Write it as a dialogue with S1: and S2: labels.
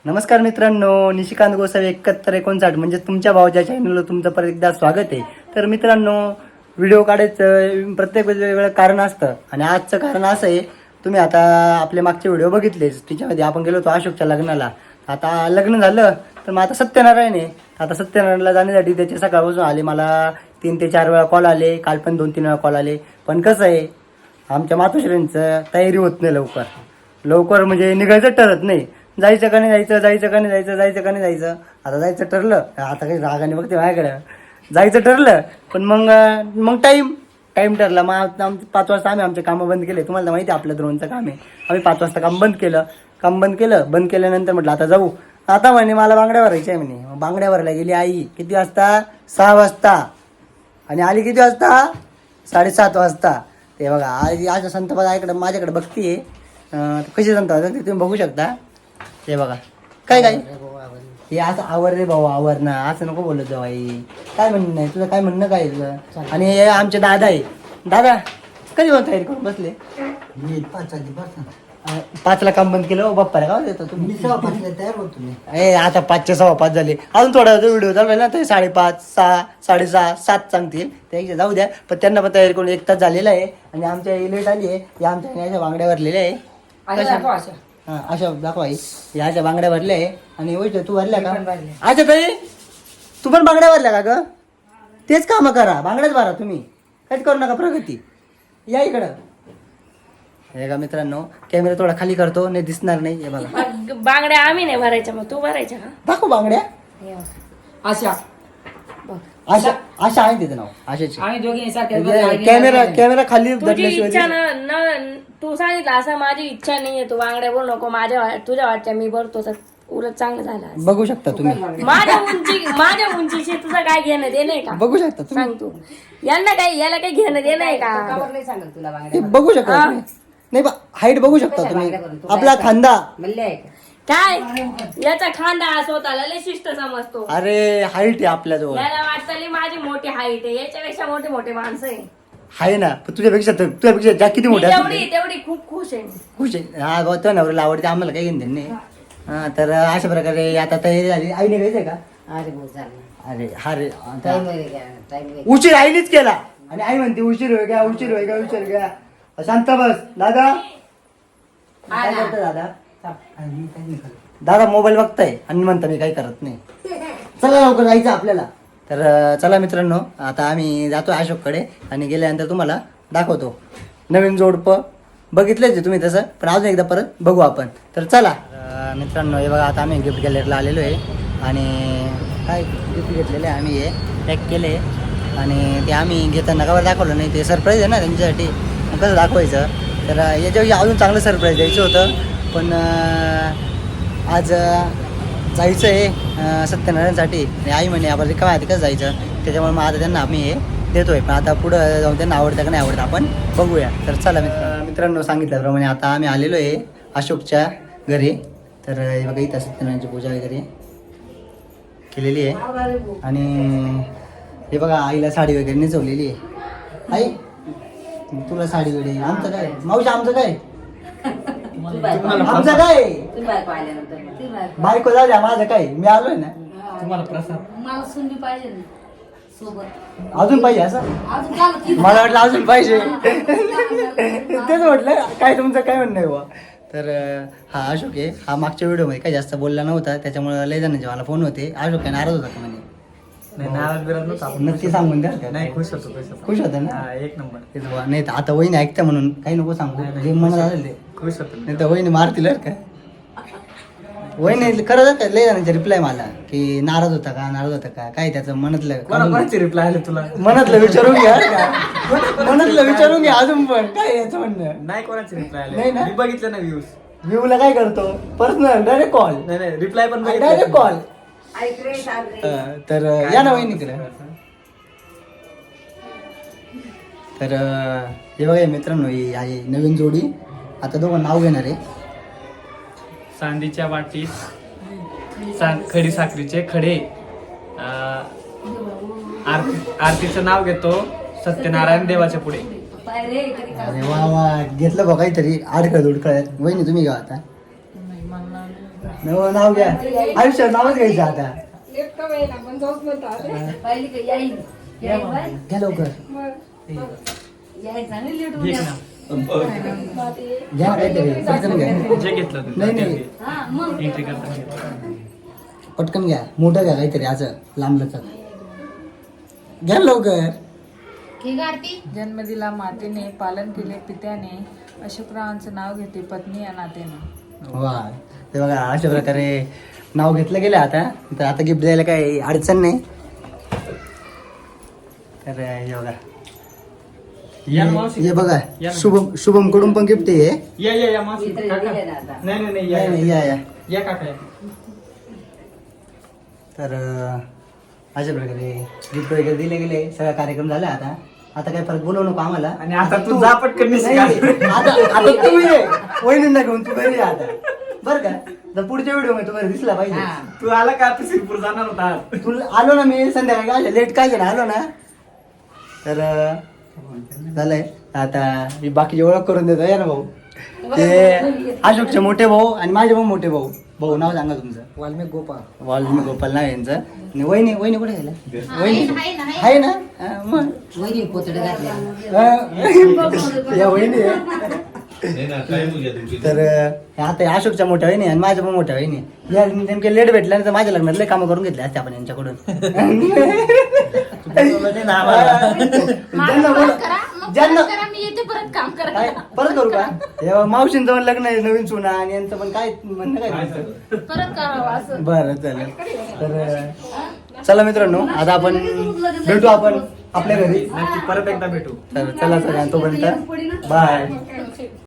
S1: नमस्कार मित्रांनो, निशिकांत गोसावी 7159 म्हणजे तुमच्या भावाच्या चॅनलला तुमचं परत एकदा स्वागत आहे. तर मित्रांनो, व्हिडिओ काढायचं प्रत्येक वेगवेगळं कारण असतं आणि आजचं कारण असं आहे, तुम्ही आता आपले मागचे व्हिडिओ बघितलेच. त्याच्यामध्ये आपण गेलो होतो अशोकच्या लग्नाला. आता लग्न झालं तर मग आता सत्यनारायण आहे. आता सत्यनारायणला जाण्यासाठी त्याचे सकाळपासून आले मला 3 ते 4 वेळा कॉल आले, काल पण 2-3 वेळा कॉल आले. पण कसं आहे, आमच्या मातोश्रींचं तयारी होत नाही लवकर म्हणजे निघायचं ठरत नाही. जायचं का नाही जायचं. आता जायचं ठरलं, आता काही रागाने बघते माझ्याकडे. जायचं ठरलं पण मग टाईम ठरला. मग 5 वाजता आम्ही आमचे कामं बंद केले. तुम्हाला तर माहिती आहे आपलं ड्रोनचं काम आहे. आम्ही 5 वाजता काम बंद केल्यानंतर म्हटलं आता जाऊ. आता म्हणे मला बांगड्या भरायच्या आहे म्हणे. बांगड्या भरायला गेली आई. किती वाजता? 6 वाजता. आणि आली किती वाजता? 7:30 वाजता. ते बघा आज आज संत माझ्याकडे बघतीये. कशी संत तुम्ही बघू शकता. ते बघा काय हे असं आवर रे भाऊ, आवर ना, असं नको बोलत जाऊ आई. काय म्हणणं नाही तुझं? काय म्हणणं काय तुझं? आणि हे आमचे दादा आहे. दादा कधी तयारी करून बसले? 5ला काम बंद केलं. बाप्पाला का देतो तुम्ही?
S2: तयार होतो मी.
S1: आता 5च्या 5:15 झाले. अजून थोडा व्हिडिओ चालू ना, ते 5:30, 6, 6:30, 7 सांगतील. त्याच्या जाऊ द्या. पण त्यांना पण तयारी करून 1 तास झालेला आहे. आणि आमच्या लेट आली आहे. या आमच्या बांगड्या भरलेल्या आहे. अशा दाखवा याच्या बांगड्या भरल्या आहे. आणि वैष्णव तू भरल्या का? अच्छा ताई, तू पण बांगड्या भरल्या का ग? तेच काम करा, बांगड्याच भरा तुम्ही. काहीच करू नका प्रगती. या इकडं. हे का मित्रांनो, कॅमेरा थोडा खाली करतो, नाही दिसणार नाही. हे बघा
S3: बांगड्या आम्ही नाही भरायच्या, मग तू भरायच्या का?
S1: दाखव बांगड्या.
S2: अशा
S1: आशा आहे तिचं नाव आशाची.
S2: आम्ही दोघी
S1: कॅमेरा खाली
S3: तुझी इच्छा
S1: धरल्याशिवाय
S3: तू सांगितलं असं माझी इच्छा नाहीये. तू बांगड्या बोलू नको. तुझ्या वाटच्या मी भरतो तर उलट चांगलं झालं.
S1: बघू शकता तुम्ही.
S3: माझ्या उंचीशी तुझं काय घेणं देणं आहे का?
S1: बघू शकता तुम्ही.
S3: सांग तू. याला काही घेणं देणं आहे का?
S1: हे बघू शकता तुम्ही. नाही हाईट बघू शकता तुम्ही. आपला खांदा
S3: काय याचा खांदा स्वतःला लय शिस्त समजतो.
S1: अरे हाईट आहे आपल्याजवळ.
S3: याला वाटतं माझी मोठी हाईट आहे. याच्यापेक्षा मोठे माणसं
S1: आहे ना. पण तुझ्यापेक्षा ज्या किती मोठ्या
S3: तेवढी खूप खुश आहे.
S1: खुश आहे. हा भाऊ तो नवऱ्याला आवडते, आम्हाला काही घेणं नाही. हा तर अशा प्रकारे आता तयारी झाली. आई निघायचंय का? अरे उशीर आईनेच केला. आणि आई म्हणते उशीर होय का. शांत बस दादा. काय करतोय दादा मोबाईल बघताय आणि म्हणता मी काही करत नाही. चला लवकर जायचं आपल्याला. तर चला मित्रांनो, आता आम्ही जातो अशोककडे आणि गेल्यानंतर तुम्हाला दाखवतो. नवीन जोडपं बघितलंच तुम्ही तसं, पण अजून एकदा परत बघू आपण. तर चला मित्रांनो, हे बघा आता आम्ही गिफ्ट गॅलरीला आलेलो आहे. आणि काय गिफ्ट घेतलेलं आहे आम्ही, हे पॅक केले. आणि ते आम्ही घेताना कवर दाखवलं नाही. ते सरप्राईज आहे ना त्यांच्यासाठी, कसं दाखवायचं. तर याच्याविषयी अजून चांगलं सरप्राईज द्यायचं होतं. पण आज जायचं आहे सत्यनारायणसाठी. आणि आई म्हणे आपण रिकाम्या आधी कसं जायचं, त्याच्यामुळे मग आता त्यांना आम्ही हे देतोय. पण आता पुढं जाऊन त्यांना आवडतं का नाही आवडतं आपण बघूया. तर चला मित्रांनो, सांगितल्याप्रमाणे आता आम्ही आलेलो आहे अशोकच्या घरी. तर हे बघा इथं सत्यनारायणची पूजा वगैरे केलेली आहे. आणि हे बघा आईला साडी वगैरे नेसवलेली आहे. आई तुला साडी वगैरे. आमचं काय मावशी, आमचं काय बायको जाऊ द्या. माझं काय, मी आलोय ना.
S2: तुम्हाला प्रसाद
S4: मला सुंदी पाहिजे ना सोबत.
S1: अजून पाहिजे असं? मला वाटलं अजून पाहिजे. तेच म्हटलं काय तुमचं काय म्हणणं आहे बुवा. तर हा अशोक आहे. हा मागच्या व्हिडिओमध्ये काही जास्त बोलला नव्हता, त्याच्यामुळे लय जणांचे मला फोन होते. अशोक काय नाराज होता का म्हणे? नक्की सांगून द्या.
S2: नाही, खुश
S1: होता ना.
S2: एक नंबर.
S1: तेच बुवा. नाही तर आता वहिनी ऐकता म्हणून काही नको सांगू. जे मनात आलं ते.
S2: खुश होतो.
S1: नाही तर वहिनी मारतील का. वहिनी खरंच का लय जणांचे रिप्लाय मला की नाराज होता का काय त्याचं
S2: कोणाचे रिप्लाय आले तुला?
S1: मनातलं विचारून घ्या का. मनातलं विचारून घ्या अजून पण काय याचं म्हणणं
S2: नाही, कोणाचे रिप्लाय
S1: नाही
S2: आले.
S1: ना?
S2: मी बघितलं ना व्ह्यूज.
S1: व्ह्यूला काय करतो पर्सनल डायरेक्ट कॉल.
S2: नाही रिप्लाय पण
S1: डायरेक्ट कॉल. तर या ना वहिनीकडे. तर हे बघा मित्रांनो, ही आहे नवीन जोडी. आता दोघं नाव घेणार आहे.
S5: चांदीच्या वाटीत खडी साखरीचे खडे. आरतीचं नाव घेतो सत्यनारायण देवाच्या पुढे.
S1: अरे वा घेतलं बघा काहीतरी आडखळ दुडखळ. वहिनी तुम्ही घ्या आता. नाव घ्या आयुष्यात नावच घ्यायचं आता
S4: पाहिली का याई
S1: घ्या लवकर
S4: याई चांगली लेट होऊन
S5: घे
S4: गेला.
S5: ना.
S1: घ्या काहीतरी पटकन घ्या
S5: जे घेतलं तू
S1: नाही नाही
S4: हा मग
S5: एंट्री करता घे.
S1: पटकन घ्या मोठं घ्या काहीतरी असं लांब लचक घ्या लवकर
S4: ठीक आहे आरती.
S6: जन्म दिला मातेने, पालन केले पित्याने, अशोकरावांचं नाव घेते पत्नी या नात्याने.
S1: वा ते बघा अशा प्रकारे नाव घेतलं गेलं आता तर आता गिफ्ट द्यायला काही अडचण नाही तर हे बघा
S5: या ना मावशी.
S1: हे बघा
S5: या ना.
S1: शुभम कडून पण गिफ्ट आहे
S5: या मावशी
S4: इकडे
S5: काका.
S4: दिले ना आता.
S5: नाही
S1: नाही, नाही,
S5: या
S1: या
S5: काका या.
S1: तर अशा प्रकारे गिफ्ट वगैरे दिले गेले सगळा कार्यक्रम झाला आता आता काही फरक बोलवू नको आम्हाला
S5: आणि आता तू जा पटकन निघ.
S1: नाही, आता तू ये वहिनींना घेऊन तू घरी ये आता बरं का तर पुढच्या व्हिडिओ मध्ये तुम्हाला दिसला पाहिजे
S4: हा.
S5: तू आला का आता सिरपूर जाणार होता आज.
S1: तू आलो ना मी संध्याकाळी काय लेट काय ना आलो ना तर झालंय आता मी बाकीची ओळख करून देतो या ना भाऊ ते अशोकचे मोठे भाऊ आणि माझे भाऊ मोठे भाऊ भाऊ नाव सांगा तुमचं
S2: वाल्मिक गोपाळ
S1: वाल्मिक गोपाल नाव आहे यांचं आणि वहिनी वहिनी कुठे गेल्या वहिनी
S4: आहे ना, आहे.
S1: आहे ना हा, मग
S4: वहिनी पोतडे घातले.
S1: हा. या वहिनी आहे. तर आता या अशोकच्या मोठ्या वहिनी आणि माझ्या पण मोठ्या वहिनी या नेमके लेट भेटल्या तर माझ्या लग्नात लय कामं करून घेतले असते आपण यांच्याकडून ज्यांना बोला- ज्यांना
S4: मी येते परत काम करा.
S1: काय परत करू का हे मावशींचं पण लग्न आहे नवीन सुना आणि यांचं पण काय म्हणणं काय तुमचं?
S4: परत करावं असं.
S1: बरं चालेल तर चला मित्रांनो आता आपण भेटू आपण आपल्या घरी
S5: नक्की परत एकदा भेटू.
S1: तर चला सगळ्यांना तोपर्यंत बाय